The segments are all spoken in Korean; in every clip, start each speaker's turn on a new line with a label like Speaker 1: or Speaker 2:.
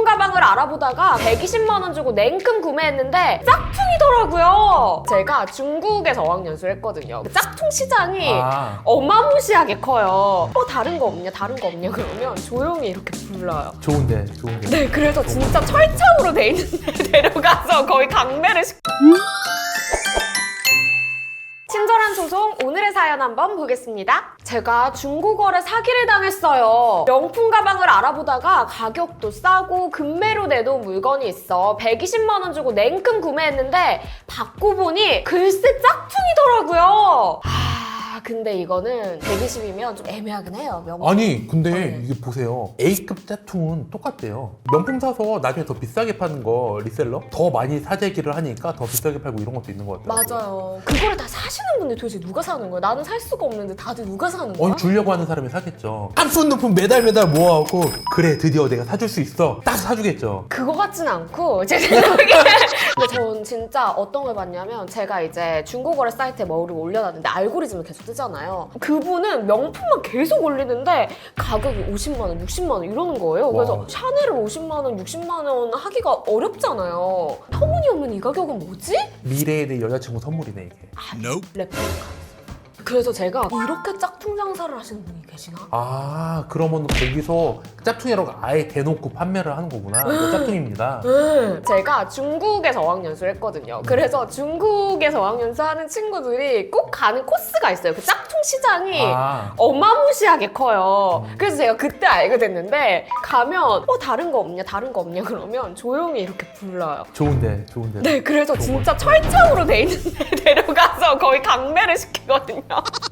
Speaker 1: 가방을 알아보다가 120만 원 주고 냉큼 구매했는데 짝퉁이더라고요. 제가 중국에서 어학연수를 했거든요. 그 짝퉁 시장이 어마무시하게 커요. 다른 거 없냐 다른 거 없냐 그러면 조용히 이렇게 불러요.
Speaker 2: 좋은데.
Speaker 1: 네, 그래서 진짜 철창으로 돼 있는데 데려가서 거의 강매를 친절한 소송 오늘의 사연 한번 보겠습니다. 제가 중고거래 사기를 당했어요. 명품 가방을 알아보다가 가격도 싸고 금매로 내놓은 물건이 있어 120만 원 주고 냉큼 구매했는데 받고 보니 글쎄 짝퉁이더라고요. 근데 이거는 120이면 좀 애매하긴 해요.
Speaker 2: 아니 근데 이게 보세요. A급 짝퉁은 똑같대요. 명품 사서 나중에 더 비싸게 파는 거 리셀러? 더 많이 사재기를 하니까 더 비싸게 팔고 이런 것도 있는 것 같아요.
Speaker 1: 맞아요. 그거를 다 사시는 분들 도대체 누가 사는 거야? 나는 살 수가 없는데 다들 누가 사는 거야?
Speaker 2: 주려고 하는 사람이 사겠죠. 한푼 매달 모아갖고 그래 드디어 내가 사줄 수 있어 딱 사주겠죠.
Speaker 1: 그거 같진 않고 제 생각에 근데 전 진짜 어떤 걸 봤냐면 제가 이제 중고거래 사이트에 뭐를 올려놨는데 알고리즘을 계속 뜨잖아요. 그분은 명품만 계속 올리는데 가격이 50만 원, 60만 원 이러는 거예요. 그래서
Speaker 2: 와.
Speaker 1: 샤넬을 50만 원, 60만 원 하기가 어렵잖아요. 터무니없는 이 가격은 뭐지?
Speaker 2: 미래에 내 여자친구 선물이네 이게.
Speaker 1: 레플리카. 그래서 제가 이렇게 짝퉁 장사를 하시는 분이 계시나?
Speaker 2: 그러면 거기서 짝퉁이라고 아예 대놓고 판매를 하는 거구나. 이거 짝퉁입니다.
Speaker 1: 제가 중국에서 어학연수를 했거든요. 그래서 중국에서 어학연수 하는 친구들이 꼭 가는 코스가 있어요. 그 짝퉁 시장이 어마무시하게 커요. 그래서 제가 그때 알게 됐는데 가면 다른 거 없냐 다른 거 없냐 그러면 조용히 이렇게 불러요.
Speaker 2: 좋은데.
Speaker 1: 네, 그래서 진짜 철창으로 돼 있는데 데려가서 거의 강매를 시키거든요.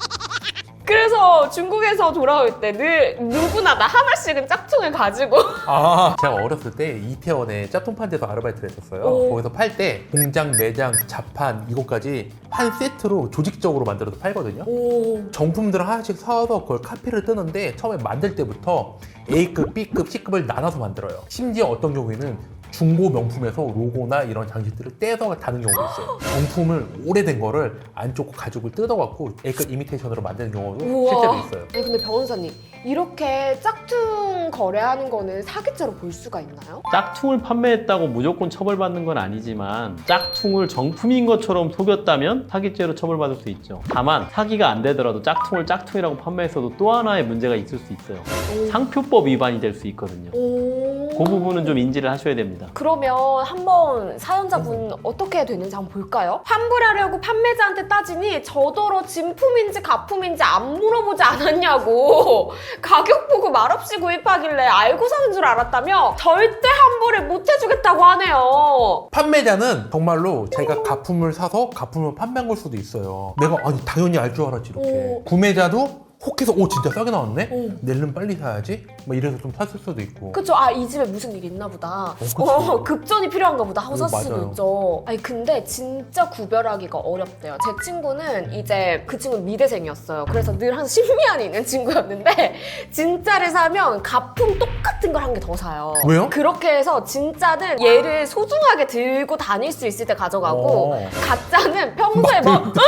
Speaker 1: 그래서 중국에서 돌아올 때 늘 누구나 다 하나씩은 짝퉁을 가지고
Speaker 2: 제가 어렸을 때 이태원에 짝퉁판 데서 아르바이트를 했었어요. 거기서 팔 때 공장, 매장, 자판 이것까지 한 세트로 조직적으로 만들어서 팔거든요. 정품들을 하나씩 사와서 그걸 카피를 뜨는데 처음에 만들 때부터 A급, B급, C급을 나눠서 만들어요. 심지어 어떤 경우에는 중고 명품에서 로고나 이런 장식들을 떼서 다는 경우도 있어요. 정품을 오래된 거를 안쪽 가죽을 뜯어갖고 A급 이미테이션으로 만드는 경우도 실제로 있어요.
Speaker 1: 아니 근데 변호사님 이렇게 짝퉁 거래하는 거는 사기죄로 볼 수가 있나요?
Speaker 3: 짝퉁을 판매했다고 무조건 처벌받는 건 아니지만 짝퉁을 정품인 것처럼 속였다면 사기죄로 처벌받을 수 있죠. 다만 사기가 안 되더라도 짝퉁을 짝퉁이라고 판매했어도 또 하나의 문제가 있을 수 있어요. 상표법 위반이 될 수 있거든요. 그 부분은 좀 인지를 하셔야 됩니다.
Speaker 1: 그러면 한번 사연자분 어떻게 되는지 한번 볼까요? 환불하려고 판매자한테 따지니 저더러 진품인지 가품인지 안 물어보지 않았냐고 가격 보고 말없이 구입하길래 알고 사는 줄 알았다며 절대 환불을 못 해주겠다고 하네요.
Speaker 2: 판매자는 정말로 자기가 가품을 사서 가품을 판매한 걸 수도 있어요. 내가 당연히 알 줄 알았지 이렇게. 구매자도 혹해서 진짜 싸게 나왔네? 내일은 빨리 사야지? 이래서 좀 샀을 수도 있고.
Speaker 1: 그쵸. 이 집에 무슨 일이 있나 보다.
Speaker 2: 그치.
Speaker 1: 급전이 필요한가 보다 하고 샀을 수도
Speaker 2: 맞아요.
Speaker 1: 있죠. 근데 진짜 구별하기가 어렵대요. 제 친구는 이제 그 친구는 미대생이었어요. 그래서 늘 항상 심리안이 있는 친구였는데 진짜를 사면 가품 똑같은 걸 한 개 더 사요.
Speaker 2: 왜요?
Speaker 1: 그렇게 해서 진짜는 얘를 소중하게 들고 다닐 수 있을 때 가져가고 가짜는 평소에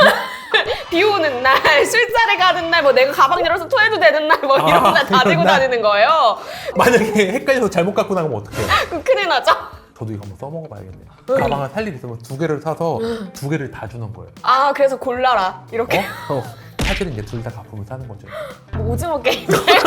Speaker 1: 비 오는 날, 술자리 가는 날, 내가 가방 열어서 토해도 되는 날, 이런 날 다 들고 다니는 거예요.
Speaker 2: 만약에 헷갈려서 잘못 갖고 나가면 어떡해요?
Speaker 1: 그럼 큰일 나죠?
Speaker 2: 저도 이거 한번 써먹어봐야겠네요. 가방을 살 일 있으면 2개를 사서 2개를 다 주는 거예요.
Speaker 1: 그래서 골라라. 이렇게.
Speaker 2: 사실은 이제 둘 다 가품을 사는 거죠.
Speaker 1: 오징어 게임.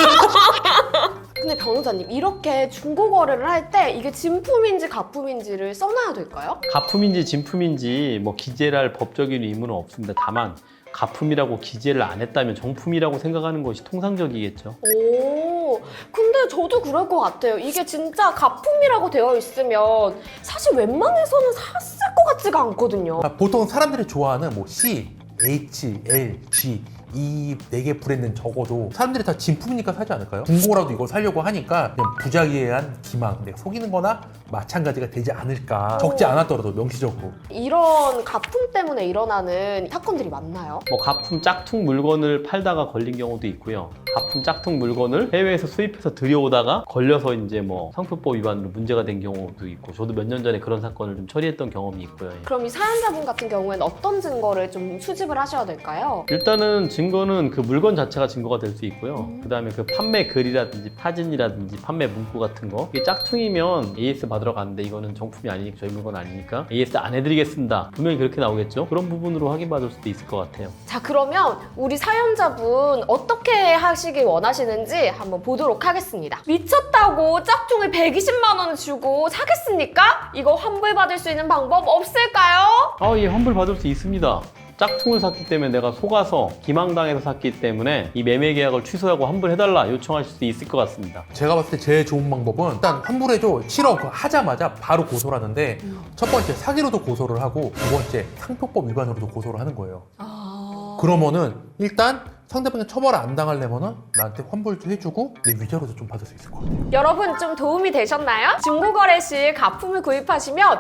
Speaker 1: 근데 변호사님, 이렇게 중고 거래를 할 때 이게 진품인지 가품인지를 써놔야 될까요?
Speaker 3: 가품인지 진품인지 기재를 할 법적인 의무는 없습니다. 다만 가품이라고 기재를 안 했다면 정품이라고 생각하는 것이 통상적이겠죠.
Speaker 1: 근데 저도 그럴 것 같아요. 이게 진짜 가품이라고 되어 있으면 사실 웬만해서는 샀을 것 같지가 않거든요.
Speaker 2: 보통 사람들이 좋아하는 C, H, L, G 이 4개 브랜드는 적어도 사람들이 다 진품이니까 사지 않을까요? 중고라도 이걸 사려고 하니까 그냥 부작위한 기망, 내가 속이는 거나 마찬가지가 되지 않을까. 적지 않았더라도 명시적으로.
Speaker 1: 이런 가품 때문에 일어나는 사건들이 많나요?
Speaker 3: 뭐 가품 짝퉁 물건을 팔다가 걸린 경우도 있고요. 가품 짝퉁 물건을 해외에서 수입해서 들여오다가 걸려서 이제 뭐 상표법 위반으로 문제가 된 경우도 있고, 저도 몇 년 전에 그런 사건을 좀 처리했던 경험이 있고요. 예.
Speaker 1: 그럼 이 사연자분 같은 경우에는 어떤 증거를 좀 수집을 하셔야 될까요?
Speaker 3: 일단은 증거는 그 물건 자체가 증거가 될 수 있고요. 그 다음에 그 판매 글이라든지 사진이라든지 판매 문구 같은 거, 이게 짝퉁이면 AS 받으러 가는데 이거는 정품이 아니니까, 저희 물건 아니니까 AS 안 해드리겠습니다. 분명히 그렇게 나오겠죠. 그런 부분으로 확인받을 수도 있을 것 같아요.
Speaker 1: 자, 그러면 우리 사연자분 어떻게 하시길 원하시는지 한번 보도록 하겠습니다. 미쳤다고 짝퉁을 120만 원 주고 사겠습니까? 이거 환불받을 수 있는 방법 없을까요?
Speaker 3: 예, 환불 받을 수 있습니다. 짝퉁을 샀기 때문에 내가 속아서 기망당해서 샀기 때문에 이 매매 계약을 취소하고 환불해달라 요청하실 수 있을 것 같습니다.
Speaker 2: 제가 봤을 때 제일 좋은 방법은 일단 환불해줘 7억 하자마자 바로 고소를 하는데, 첫 번째 사기로도 고소를 하고, 두 번째 상표법 위반으로도 고소를 하는 거예요. 그러면은 일단 상대방이 처벌 안 당하려면은 나한테 환불도 해주고 내 위자료도 좀 받을 수 있을 것 같아요.
Speaker 1: 여러분 좀 도움이 되셨나요? 중고거래 시 가품을 구입하시면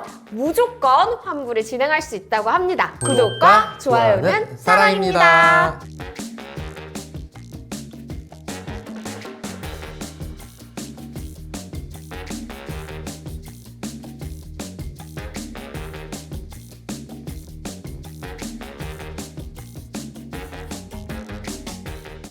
Speaker 1: 무조건 환불을 진행할 수 있다고 합니다. 구독과 좋아요는 사랑입니다.